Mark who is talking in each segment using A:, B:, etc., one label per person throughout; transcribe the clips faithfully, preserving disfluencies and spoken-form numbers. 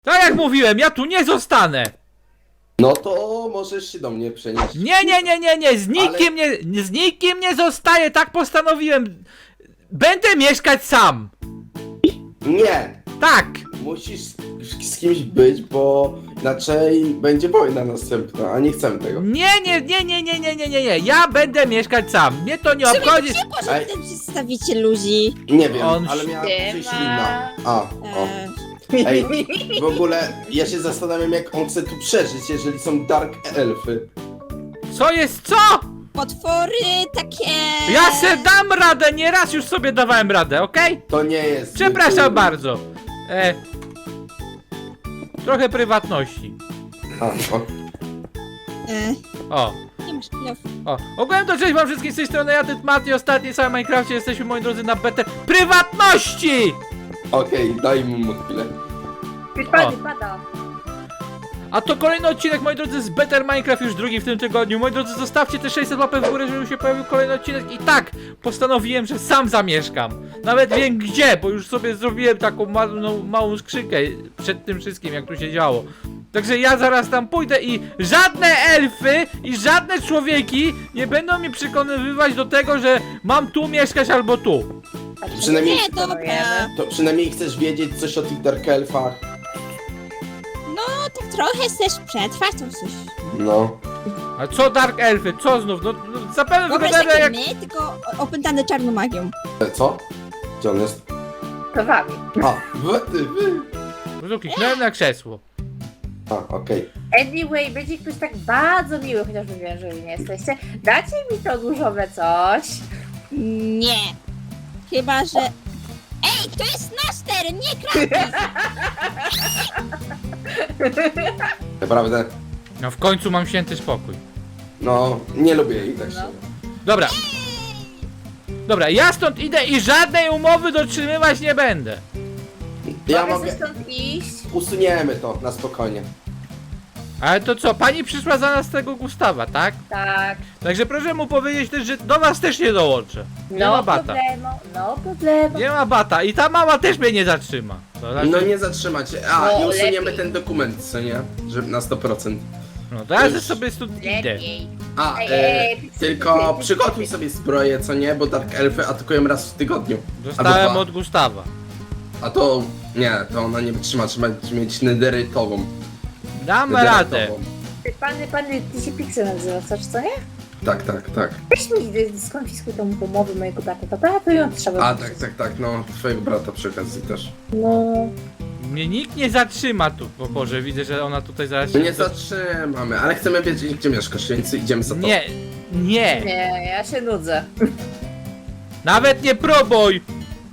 A: Tak jak mówiłem, ja tu nie zostanę!
B: No to możesz się do mnie przenieść.
A: Nie, nie, nie, nie, nie, z nikim
B: Ale-
A: nie, z nikim nie zostaję, tak postanowiłem. Będę mieszkać sam.
B: Nie!
A: Tak.
B: Musisz z, z kimś być, bo inaczej będzie wojna następna, a nie chcemy tego.
A: Nie, nie, nie, nie, nie, nie, nie, nie, nie, ja będę mieszkać sam. Mnie to nie obchodzi.
C: Gdzie poszedł
B: Ej.
C: ten przedstawiciel ludzi?
B: Nie wiem,
A: On
B: ale miała
D: się
B: przyjść
D: ma.
B: inna. A, o.
C: E,
B: Ej, w ogóle ja się zastanawiam, jak on chce tu przeżyć, jeżeli są dark elfy.
A: Co jest co?
C: potwory takie...
A: Ja se dam radę, nieraz już sobie dawałem radę, okej?
B: To nie jest...
A: Przepraszam bardzo. E, trochę prywatności.
B: A, o.
C: E,
A: O.
C: nie masz chwilę.
A: O, ogółem to cześć wam wszystkim z tej strony, ja Tytmati, ostatni cały Minecrafcie, jesteśmy moi drodzy na betę prywatności!
B: Okej, daj mu chwilę.
D: Wypadł, pada.
A: A to kolejny odcinek, moi drodzy, z Better Minecraft, już drugi w tym tygodniu. Moi drodzy, zostawcie te sześćset łapek w górę, żeby się pojawił kolejny odcinek. I tak, postanowiłem, że sam zamieszkam. Nawet wiem gdzie, bo już sobie zrobiłem taką małą, małą skrzynkę przed tym wszystkim, jak tu się działo. Także ja zaraz tam pójdę i żadne elfy i żadne człowieki nie będą mi przekonywać do tego, że mam tu mieszkać albo tu.
B: Przynajmniej,
C: Nie, dobra.
B: to przynajmniej chcesz wiedzieć coś o tych dark elfach.
C: No, tak trochę chcesz przetrwać, to coś.
B: No.
A: A co Dark Elfy? Co znów? No, no zapewne
C: Wyobraź
A: wyglądają
C: takie
A: jak...
C: my, tylko opętane czarną magią.
B: E, Co? Gdzie on jest?
D: To wami.
B: A, wy, ty, wy.
A: No, kliknąłem na krzesło.
B: A, okej.
D: Anyway, będzie ktoś tak bardzo miły, chociaż wiem, że wy nie jesteście. Dacie mi to różowe coś.
C: Nie. Chyba, że... Ej, to jest nasz teren, nie Kratos!
B: Naprawdę?
A: No w końcu mam święty spokój.
B: No, nie lubię jej tak
D: No.
B: szczerze.
A: Dobra. Dobra, ja stąd idę i żadnej umowy dotrzymywać nie będę.
B: Ja
D: Mogę
B: mogę...
D: stąd iść?
B: Usuniemy to, na spokojnie.
A: Ale to co, pani przyszła za nas tego Gustawa, tak?
D: Tak.
A: Także proszę mu powiedzieć też, że do was też nie dołączę. Nie
D: No
A: ma bata.
D: problemo, no problemo.
A: Nie ma bata i ta mama też mnie nie zatrzyma. To znaczy,
B: No nie zatrzymać. A,
D: No,
B: i usuniemy
D: lepiej.
B: ten dokument, co nie? Że na sto procent.
A: no to ja sobie stąd idę.
D: Lepiej.
B: A,
D: Ej,
B: e,
D: ej, ej,
B: tylko
D: ej,
B: przygotuj sobie zbroję, co nie? Bo dark elfy atakują raz w tygodniu.
A: Dostałem
B: dwa.
A: od Gustawa.
B: A to... Nie, to ona nie wytrzyma, trzeba mieć nederytową.
A: Dam radę.
B: Nederytową.
D: Ty, Pany, pany, ty się Pixel nazywa, coś, co nie?
B: Tak, tak, tak.
D: Weź mi, y, skonfiskuj tą umowę mojego brata, dobra? To ją trzeba
B: A,
D: wyrzucić.
B: tak, tak, tak, no, twojego brata przy okazji też.
D: No.
A: Mnie nikt nie zatrzyma tu. O Boże, widzę, że ona tutaj zaraz
B: My
A: się...
B: nie zatrzymamy, ale chcemy wiedzieć, gdzie mieszkasz, więc idziemy za to.
A: Nie, nie.
D: Nie, ja się nudzę.
A: Nawet nie próbuj.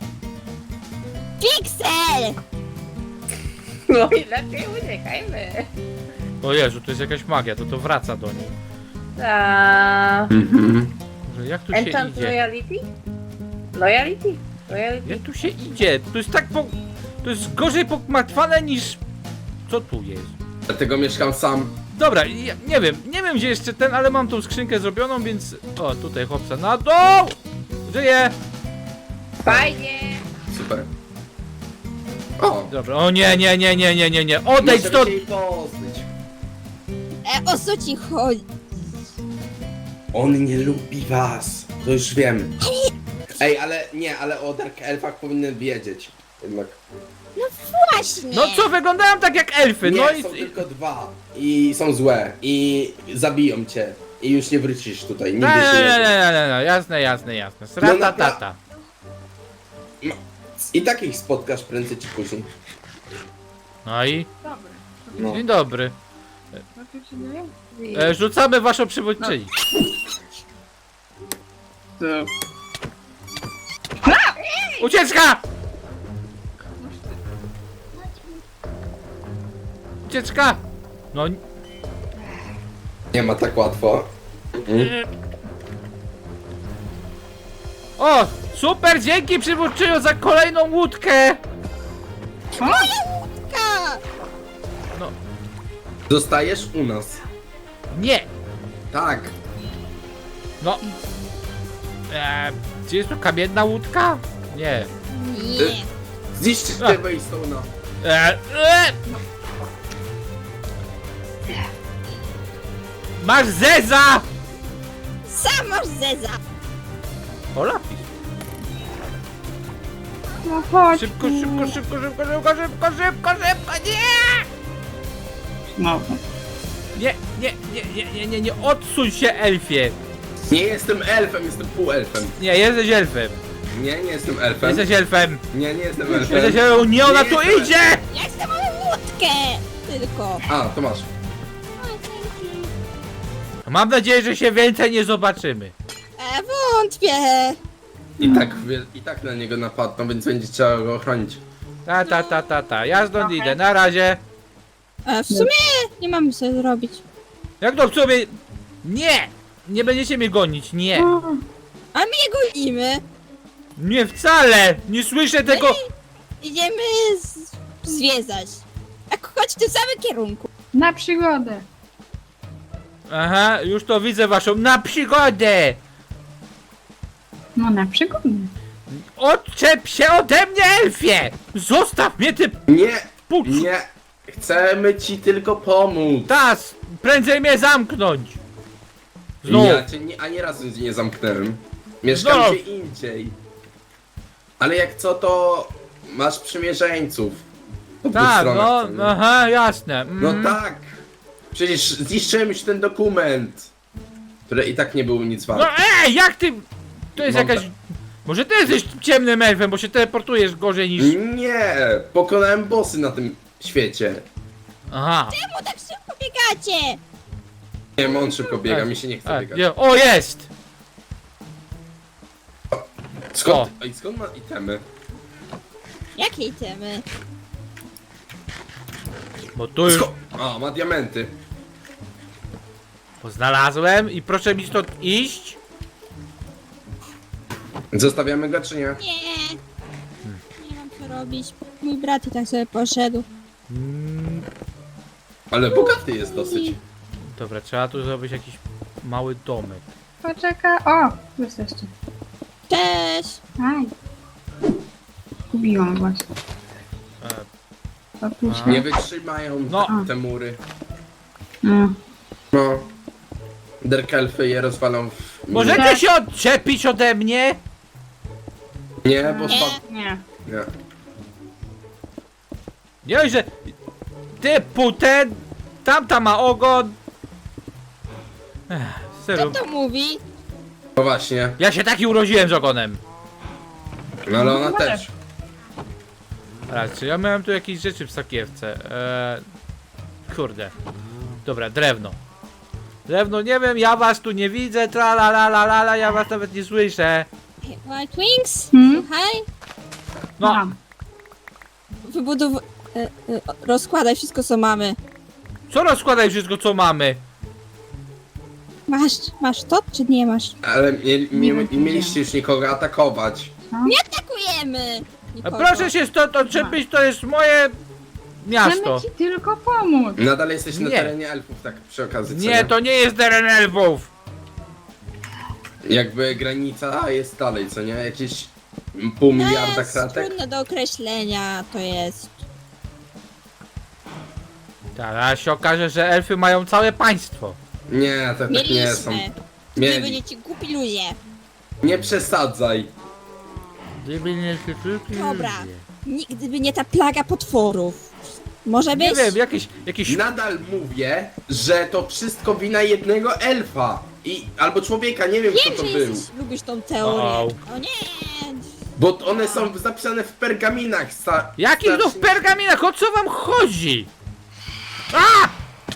C: Pixel!
D: No i lepiej uciekajmy.
A: O Jezu, to jest jakaś magia, to to wraca do niej.
D: Ta...
B: Mhm.
A: Może jak tu się
D: Enchant
A: idzie?
D: loyalty? Loyalty? Loyalty?
A: Jak tu się idzie? To jest tak po... To jest gorzej pokmatwane niż... Co tu jest?
B: Dlatego mieszkam sam.
A: Dobra, ja nie wiem, nie wiem gdzie jeszcze ten, ale mam tą skrzynkę zrobioną, więc... O, tutaj chłopca na dół! Żyje!
D: Fajnie!
B: Super. O!
A: Dobra, o nie, nie, nie, nie, nie, nie, nie, odejdź
B: Możemy
A: stąd!
B: się jej pozbyć.
C: E, o co ci chodzi?
B: On nie lubi was. To już wiem. Ej, ale nie, ale o Dark Elfach powinien wiedzieć. Jednak.
C: Właśnie!
A: No co, wyglądają tak jak elfy,
B: Nie,
A: no i...
B: są
A: i...
B: tylko dwa. I są złe. I zabiją cię. I już nie wrócisz tutaj. Nigdy
A: Nie,
B: się
A: nie,
B: nie.
A: nie, nie, nie, nie, jasne, jasne, jasne. Srata
B: No, napra-
A: tata.
B: I takich spotkasz prędzej czy później.
A: No i...
D: Dobra.
B: No.
A: Dzień dobry. E, rzucamy waszą przywódczyni. Ucieczka! Ucieczka! No...
B: Nie ma tak łatwo. Mhm.
A: O! Super, dzięki przywódczyniu za kolejną łódkę!
C: Ka!
A: No,
B: Zostajesz u nas.
A: nie!
B: Tak.
A: No... E, gdzie jest to kamienna łódka? Nie.
C: Nie.
B: Zniszczyć
A: A.
B: tego Stone'a.
A: E, e, Masz zeza!
C: Sam masz zeza!
A: O, lapis.
D: No chodź.
A: Szybko, szybko, szybko, szybko, szybko, szybko, szybko, szybko, nie!
D: No.
A: Nie, nie, nie, nie, nie, nie, nie, odsuń się, elfie!
B: Nie jestem elfem, jestem półelfem.
A: Nie, jesteś elfem.
B: Nie, nie jestem elfem.
A: Jesteś elfem.
B: Nie, nie jestem elfem.
A: Jesteś elfem. Nie, ona
B: Nie
A: tu
B: jestem
A: idzie!
C: Ja chcę moją łódkę! Tylko.
B: A, to masz.
A: Mam nadzieję, że się więcej nie zobaczymy.
C: E, wątpię.
B: I tak, wie- i tak na niego napadną, więc będzie trzeba go ochronić.
A: Ta, ta, ta, ta, ta. Ja stąd idę, na razie.
C: E, w sumie nie mamy co zrobić.
A: Jak to w sobie... Nie! Nie będziecie mnie gonić, nie.
C: A my je gonimy.
A: Nie wcale! Nie słyszę tego...
C: Idziemy z... zwiedzać. Tak chodź w tym samym kierunku.
D: Na przygodę.
A: Aha, już to widzę waszą... Na przygodę!
D: No na przygodę.
A: Odczep się ode mnie, elfie! Zostaw mnie, ty
B: Nie,
A: pucz!
B: nie. Chcemy ci tylko pomóc.
A: Tas! Prędzej mnie zamknąć! Znów!
B: Ja cię nie, ani razu cię nie zamknąłem. Mieszkam
A: Znów.
B: gdzie indziej. Ale jak co, to masz przymierzeńców. Po dwóch
A: Tak,
B: stronach,
A: no,
B: co nie?
A: aha, jasne.
B: No
A: Mm.
B: tak. Przecież zniszczyłem już ten dokument. Który i tak nie był nic
A: No
B: wart.
A: ej, jak ty... To jest
B: Mam
A: jakaś...
B: tak-
A: Może ty jesteś ciemnym elfem, bo się teleportujesz gorzej niż...
B: Nie, pokonałem bossy na tym świecie.
A: Aha.
C: Czemu tak szybko biegacie?
B: Nie, on szybko biega, mi się nie chce
A: A,
B: biegać.
A: nie, o, jest!
B: Skąd, i skąd ma itemy?
C: Jakie itemy?
A: Bo tu już
B: Sko A, ma diamenty.
A: znalazłem i proszę mi stąd iść.
B: Zostawiamy go czy nie?
C: Nie. Nie mam co robić. Mój brat i tak sobie poszedł.
A: Mm,
B: Ale bogaty jest dosyć.
A: dobra, trzeba tu zrobić jakiś mały domek.
D: Poczekaj. O, tu jesteście.
C: Cześć!
D: Aj. Kubiłam właśnie.
A: E,
D: To tu
A: A.
D: się.
B: Nie wytrzymają
A: No.
B: te, te mury.
D: No.
B: No. Derkelfy je rozwalą w...
A: możecie się odczepić ode mnie?
B: Nie, bo
C: Nie.
B: spadł.
D: Nie.
B: Nie.
A: Nie, że... Ty putę, tamta ma ogon. Ech,
C: Kto
A: serio.
C: to mówi?
B: No właśnie.
A: Ja się taki urodziłem z ogonem.
B: No ale ona
D: Może.
B: też.
A: Raz, czy ja miałem tu jakieś rzeczy w sakiewce? Eee, kurde. Dobra, drewno. Drewno, nie wiem, ja was tu nie widzę, tra la la la la la, ja was nawet nie słyszę.
C: White Wings?
D: Hmm?
C: Słuchaj.
A: No,
D: Mam.
C: Wybudow... E, e, rozkładaj wszystko co mamy.
A: co rozkładaj wszystko co mamy?
C: Masz, masz to czy nie masz?
B: Ale nie, nie,
D: Nie
B: nie
D: wiem,
B: mieliście już nikogo atakować.
C: Nie atakujemy!
A: A
C: Nikogo.
A: proszę się stąd odczepić, to jest moje miasto.
D: Chcemy ci tylko pomóc.
B: Nadal jesteś na
A: Nie.
B: terenie elfów, tak przy okazji. co
A: Nie, to nie jest teren elfów.
B: Jakby granica jest dalej, co nie? Jakieś pół miliarda
C: To jest
B: kratek?
C: trudne do określenia to jest.
A: Teraz się okaże, że elfy mają całe państwo.
B: Nie, to tak nie są.
C: Mieliśmy. Gdyby
B: Mieli.
C: nie ci głupi ludzie.
B: Nie przesadzaj.
A: Gdyby nie
C: Dobra. Nigdy by nie ta plaga potworów. Może być?
A: Nie wiem, jakiś, jakiś...
B: Nadal mówię, że to wszystko wina jednego elfa. I, albo człowieka, nie wiem
C: Wiem,
B: kto to
C: że
B: był.
C: jesteś, lubisz tą teorię.
A: Au.
C: O nie!
B: Bo one są zapisane w pergaminach. Sta
A: Jakich no w
B: starszych-
A: pergaminach? O co wam chodzi? A!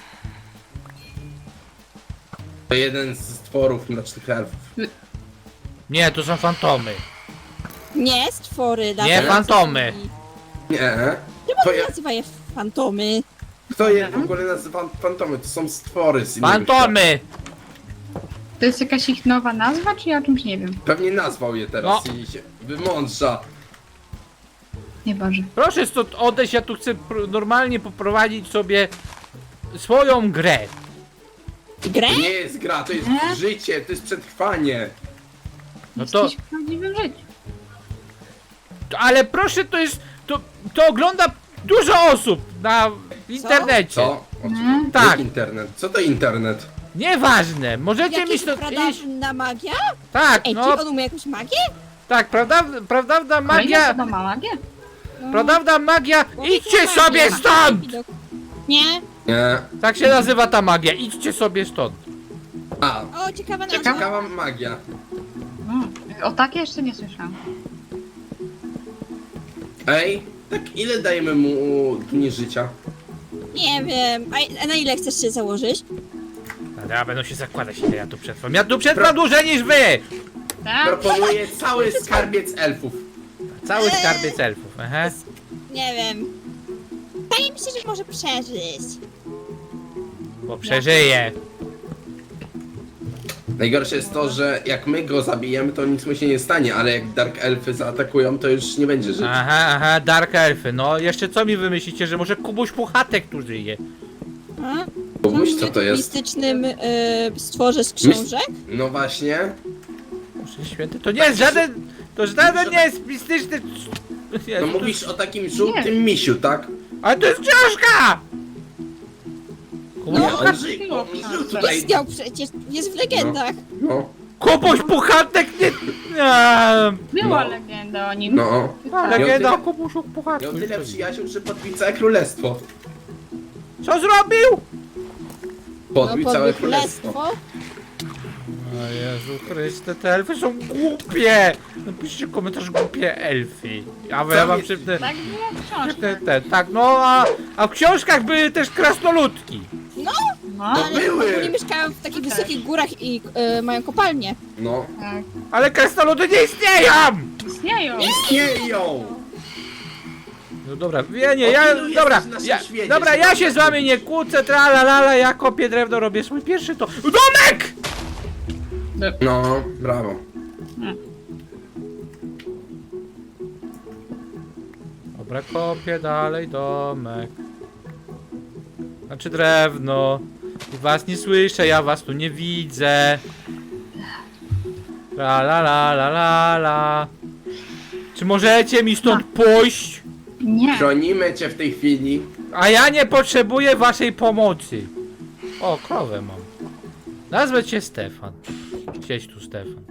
B: To jeden z stworów mrocznych elfów.
A: Nie, to są fantomy.
C: Nie, stwory.
A: Nie,
C: latające
A: fantomy.
C: drzwi.
B: Nie.
C: Czemu
B: To
C: to
B: ja,
C: nazywa je fantomy?
B: kto je w ogóle nazywa fantomy? To są stwory z innego świata.
A: Fantomy!
D: To jest jakaś ich nowa nazwa, czy ja o czymś nie wiem?
B: Pewnie nazwał je teraz
A: No.
B: i się wymądrza.
D: Nie Boże.
A: Proszę stąd odejść, ja tu chcę pr- normalnie poprowadzić sobie swoją grę.
C: Grę?
B: To nie jest gra, to jest
D: Nie?
B: życie, to jest przetrwanie.
A: No to,
D: Jesteś w prawdziwym życiu.
A: to ale proszę, to jest, to, to ogląda dużo osób na internecie.
B: Co? O,
D: Nie?
B: co?
A: Tak.
B: Jak internet? Co to internet?
A: Nieważne, możecie mi
C: Jakaś
A: stąd iść.
C: pradawna magia?
A: Tak,
C: Ej,
A: no,
C: czy on umie jakąś magię?
A: tak, prawda, prawdawna
E: Kolejna
A: magia,
E: osoba ma magię?
C: No.
A: prawdawna magia,
C: Mówię,
A: idźcie
C: magia.
A: sobie stąd!
C: Widok. Nie?
B: Nie.
A: Tak się nazywa ta magia, idźcie sobie stąd.
B: A,
C: O, ciekawa nazwa.
B: ciekawa magia.
E: Mm. O takie jeszcze nie słyszałam.
B: Ej, tak ile dajemy mu dni życia?
C: Nie wiem. A, a na ile chcesz się założyć?
A: Dobra, będą się zakładać, ile ja tu przetrwam. Ja tu przetrwam dłużej niż wy!
E: Tak?
B: Proponuję cały skarbiec elfów.
A: Cały skarbiec elfów, aha.
C: Nie wiem. Wydaje mi się, że może przeżyć.
A: Bo przeżyje.
B: Najgorsze jest to, że jak my go zabijemy, to nic mu się nie stanie, ale jak Dark Elfy zaatakują, to już nie będzie żyć.
A: Aha, aha, Dark Elfy. No, jeszcze co mi wymyślicie, że może Kubuś Puchatek tu żyje?
C: A?
B: Kubuś,
C: On
B: co
C: w
B: to jest?
C: mistycznym y, stworze z książek?
B: No właśnie.
A: Boże święty, to nie jest żaden... To żaden nie jest mistyczny...
B: No
A: Jezu, to-
B: mówisz o takim żółtym misiu, tak?
A: Ale to jest książka! Kubuś,
B: Nie,
E: No,
B: on
E: tak
B: żył,
E: było
B: on
E: w książce.
B: żył tutaj.
C: Istniał przecież, jest w legendach.
B: No,
A: Kubuś Puchatek nie... Eee,
E: Była
B: No.
E: legenda o nim.
B: no.
E: Tak.
A: legenda o
B: tyle-
A: Kubusiu Puchatku.
B: Miał tyle przyjaciół, że podbił całe królestwo.
A: Co zrobił?
B: Podbił
C: No,
B: całe
C: podbił
B: królestwo.
C: królestwo.
A: O Jezu Chryste, te elfy są głupie! Napiszcie komentarz głupie elfy. A wy ja wam szybne...
E: Tak było w książce.
A: Te, te, tak, no a, a w książkach były też krasnoludki.
E: No,
C: Ale
B: były.
C: oni mieszkają w takich
E: Tak.
C: wysokich górach i y, mają kopalnie.
B: No.
E: tak.
A: Ale krasnoludy nie istnieją!
E: Istnieją.
B: Istnieją!
A: No dobra, ja nie, ja,
B: Opinuję
A: dobra,
B: coś w naszym
A: ja,
B: świecie,
A: dobra,
B: że
A: ja
B: mam
A: się z wami nie kłócę, tra la la la, ja kopię drewno, robię swój pierwszy to... Domek!
B: No, brawo.
A: Dobra, kopię dalej domek. Znaczy drewno. I was nie słyszę, ja was tu nie widzę. La la la la la la. Czy możecie mi stąd pójść?
E: Nie.
B: Chronimy cię w tej chwili.
A: A ja nie potrzebuję waszej pomocy. O, krowę mam. Nazwę cię Stefan. Siedź tu, Stefan.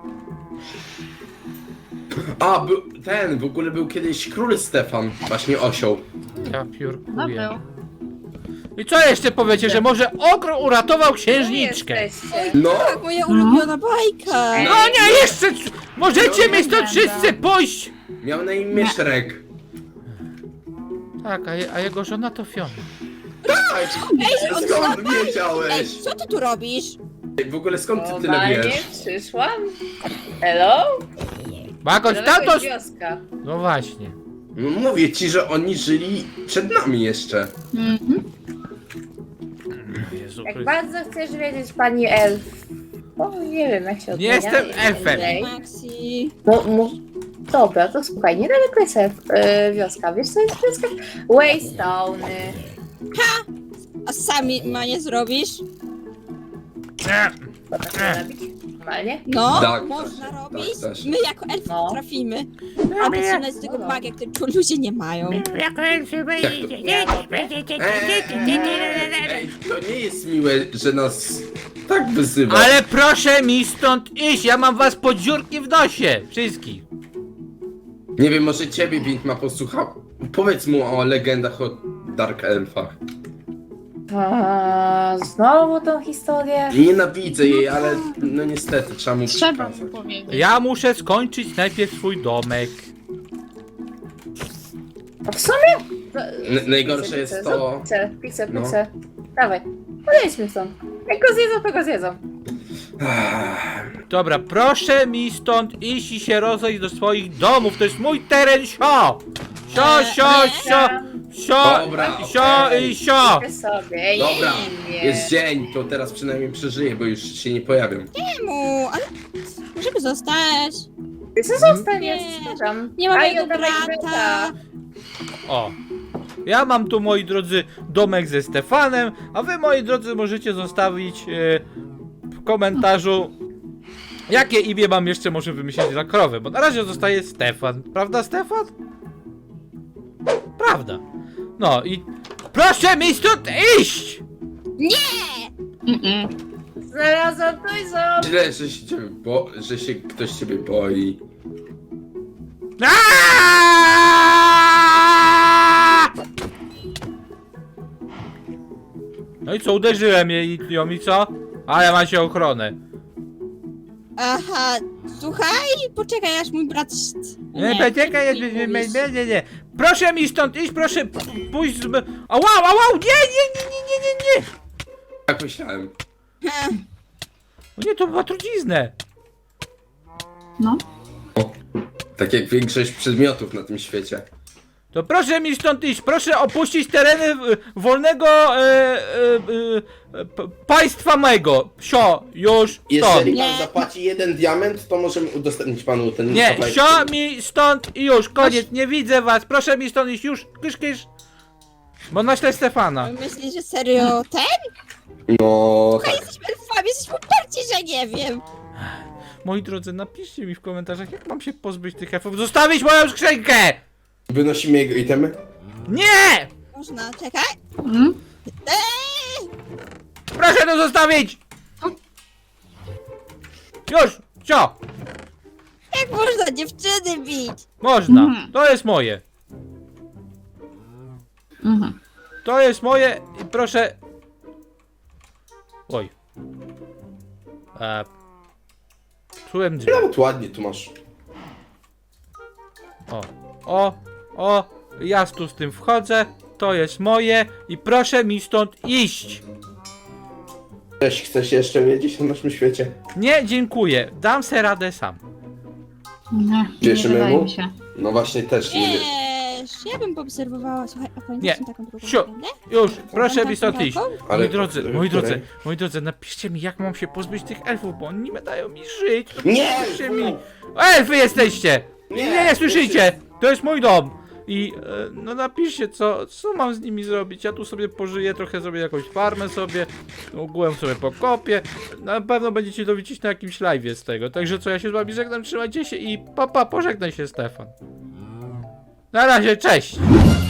B: A, był, ten, w ogóle był kiedyś król Stefan. Właśnie osioł.
A: Ja
E: No
A: piórkuję.
E: był.
A: I co jeszcze powiecie, że może ogro uratował księżniczkę?
D: Jesteście.
B: No,
C: Tak, moja ulubiona bajka.
A: No nie, jeszcze... c- Możecie
E: No,
A: mi stąd
E: legenda.
A: wszyscy pójść!
B: miał na imię Shrek.
A: Tak, a, je, a jego żona to Fiona.
B: Tak!
C: Ej, on
B: Skąd
C: Ej,
B: wiedziałeś?
C: co ty tu robisz?
B: W ogóle skąd ty tyle
D: Normalnie
B: wiesz?
D: przyszłam. Hello?
A: Bagoś,
D: To
A: tato...
D: jakaś wioska.
A: No właśnie.
B: No mówię ci, że oni żyli przed nami jeszcze.
E: Mhm.
A: Jezu
D: Jak
A: Chryste.
D: bardzo chcesz wiedzieć, pani elf. O, nie wiem jak się
A: Nie
D: odmienia.
A: jestem elfem.
D: Ej.
C: Maxi.
D: Mu, mu... Dobra, to słuchaj, niedaleko jest elf, e, wioska. Wiesz co jest wioska? Waystone.
C: A sami ma nie zrobisz?
A: Nie.
D: Co tak można robić? Normalnie?
C: No,
B: Tak,
C: można
B: tak,
C: robić.
B: tak, też.
C: My jako elfy
D: No.
C: potrafimy. A wyciągnąć z tego
D: No.
C: magię, której tu ludzie nie mają.
A: Jako elfy
B: Ej, to nie jest miłe, że nas tak wyzywa.
A: Ale proszę mi stąd iść, ja mam was pod dziurki w nosie. Wszystkich.
B: Nie wiem, może ciebie Wintma posłuchał. Powiedz mu o legendach o Dark Elfach.
D: A, znowu tą historię?
B: Nienawidzę jej, ale no niestety trzeba mu
E: Trzeba mu
B: przekazać.
E: powiedzieć.
A: Ja muszę skończyć najpierw swój domek.
D: A w sumie? No,
B: N- najgorsze jest
D: pizzę,
B: to-
D: zrób Pizzę, pizzę,
B: No.
D: pizzę. Dawaj, podejdźmy stąd. Jak go zjedzą, to go zjedzą.
A: Dobra, proszę mi stąd iść i się rozejść do swoich domów, to jest mój teren, sio! Sio, sio, sio, sio,
B: Dobra,
A: sio
B: okej.
A: i sio!
D: Ty sobie,
B: Dobra,
D: nie.
B: jest dzień, to teraz przynajmniej przeżyję, bo już się nie pojawią.
C: Czemu? Ale możemy zostać.
D: Ty co zostań, ja
C: Nie.
D: zostawiam.
C: Nie ma
D: A, i
C: mojego
D: oddawaj
C: brata.
D: byta.
A: O. Ja mam tu, moi drodzy, domek ze Stefanem, a wy, moi drodzy, możecie zostawić e, w komentarzu, jakie imię mam jeszcze może wymyślić dla krowy, bo na razie zostaje Stefan. Prawda, Stefan? Prawda. No i proszę mi stąd iść!
C: Nie!
E: Mm-mm.
D: Znalazłam to i za...
B: Źle, że się, ciebie bo, że się ktoś ciebie boi.
A: Aaaa! No i co, uderzyłem jej i ją i co? Ale ma się ochronę.
C: Aha, słuchaj, poczekaj aż mój brat...
A: Nie, poczekaj, nie, nie, nie, nie, nie, nie. Proszę mi stąd iść, proszę p- pójść z... Ała, ała, nie, nie, nie, nie, nie, nie, nie.
B: Tak myślałem.
A: O nie, to była truciznę.
E: No.
B: O, tak jak większość przedmiotów na tym świecie.
A: To proszę mi stąd iść, proszę opuścić tereny e, wolnego e, e, e, p- państwa mego. Sio, już stąd.
B: Jeżeli pan
C: Nie.
B: zapłaci jeden diament, to możemy udostępnić panu ten
A: Nie,
B: kawałek.
A: sio mi stąd i już, koniec, nie widzę was, proszę mi stąd iść, już, kysz, kysz. Bo naślę Stefana.
C: Myślisz, że serio ten?
B: No
C: A
B: tak.
C: jesteśmy elfami, jesteśmy uparci, że nie wiem.
A: Moi drodzy, napiszcie mi w komentarzach, jak mam się pozbyć tych elfów. Zostawić moją skrzynkę!
B: Wynosimy jego itemy?
A: Nie!
C: Można, czekaj.
E: Mm?
C: Eee!
A: Proszę to zostawić! Już, sio,
C: Jak można dziewczyny bić?
A: można,
E: Mhm.
A: to jest moje.
E: Mhm.
A: To jest moje i proszę... Oj. E... Czułem drzwi.
B: Nawet ładnie tu masz.
A: O, o, o, ja tu z tym wchodzę, to jest moje i proszę mi stąd iść.
B: Cześć, chcesz jeszcze wiedzieć na naszym świecie?
A: Nie, dziękuję, dam se radę sam.
E: Nie, nie
B: Cieszymy
E: wydaje
B: mu?
E: mi się.
B: No właśnie też nie wiem.
C: Wiesz, ja bym poobserwowała, słuchaj, a pamiętasz
A: Nie.
C: tą taką drugą
A: Sio,
C: legendę?
A: już, proszę
C: Taką
A: mi stąd iść.
C: taką?
B: Ale-
A: Moi drodzy,
B: której-
A: moi drodzy,
B: której?
A: moi drodzy, napiszcie mi, jak mam się pozbyć tych elfów, bo oni nie dają mi żyć.
B: Nie!
A: Napiszcie mi. Elfy jesteście! Nie, nie, nie słyszycie! To jest mój dom! I e, no napiszcie, co, co mam z nimi zrobić. Ja tu sobie pożyję, trochę zrobię jakąś farmę sobie, ogółem sobie pokopię. Na pewno będziecie to widzieć na jakimś live'ie z tego. Także co, ja się z wami żegnam, trzymajcie się i papa, pożegnaj się Stefan. Na razie, cześć!